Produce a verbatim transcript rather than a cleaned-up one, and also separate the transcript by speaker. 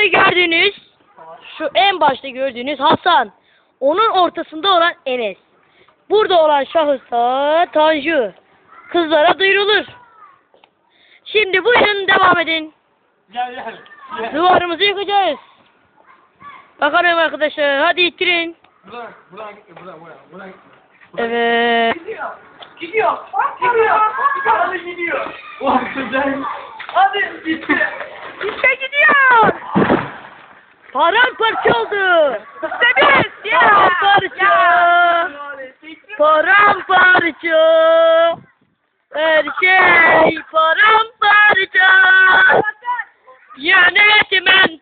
Speaker 1: Burada gördüğünüz, şu en başta gördüğünüz Hasan. Onun ortasında olan Enes. Burada olan şahıs da Tanju. Kızlara duyurulur. Şimdi buyurun devam edin.
Speaker 2: Gel gel. Gel.
Speaker 1: Duvarımızı yıkacağız. Bakalım arkadaşlar, hadi ittirin.
Speaker 2: Buradan, buradan gitme, buradan, buradan, buradan gitme.
Speaker 1: Evet.
Speaker 2: Gidiyor. Gidiyor. Gidiyor. Hadi gidiyor. Ulan güzel. Hadi gitti.
Speaker 1: İşte gidiyor. Paramparça oldu. İşte biz. Paramparça. Paramparça. Her şey paramparça. Yönetmen